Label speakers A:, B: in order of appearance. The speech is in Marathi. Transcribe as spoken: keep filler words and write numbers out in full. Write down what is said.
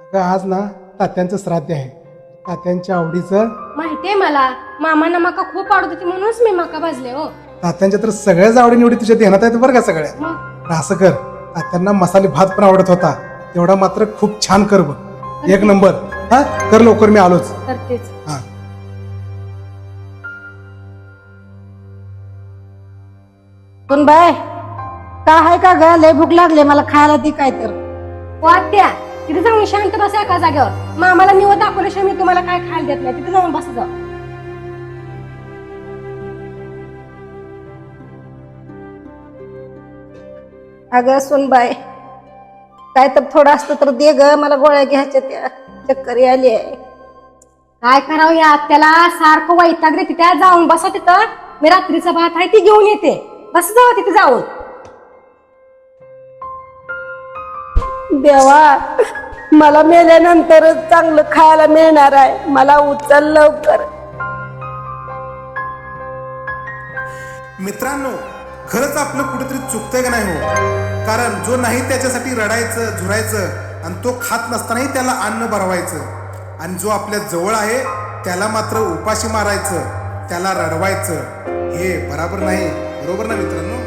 A: अगं आज ना तात्यांचं श्राद्ध आहे. तात्यांच्या आवडीचं.
B: माहितीये मला, मामांना मका खूप आवडत होती म्हणूनच मी मका भाजले हो.
A: तात्यांच्या तर सगळ्याच आवडी निवडी तुझ्या ध्यानात आहेत बरं का सगळ्या.
B: मग
A: तर असं कर, तात्यांना मसाले भात पण आवडत होता तेवढा मात्र खूप छान कर बघ. एक नंबर. हा कर लवकर, मी आलोच.
B: करतेच.
A: हा
C: पण बाय का आहे का ग, लय भूक लागले मला, खायला ती काय तर.
B: वाट्या तिथे जाऊन शांत बसा एका जागेवर. मामाला निवड दाखवल्याशिवाय मी तुम्हाला काय खायला देत नाही. तिथे जाऊन बसा जाऊ.
C: अगं सुनबाई, काय तर थोडं असतं तर दे ग, मला गोळ्या घ्यायच्या, त्या चक्कर आली आहे.
B: काय करावं या आत्याला, सारखं वैताग देते. त्या जाऊन बसा तिथं. मी रात्रीचा भात आहे ती घेऊन येते. बस जाऊ तिथे जाऊन.
C: देवा, मला मेल्यानंतरच चांगलं खायला मिळणार आहे, मला उचल लवकर.
A: मित्रांनो, खरंच आपलं कुठेतरी चुकतंय का नाही हो. कारण जो नाही त्याच्यासाठी रडायचं झुरायचं आणि तो खात नसतानाही त्याला अन्न भरवायचं, आणि जो आपल्या जवळ आहे त्याला मात्र उपाशी मारायचं, त्याला रडवायचं, हे बरोबर नाही. बरोबर ना मित्रांनो.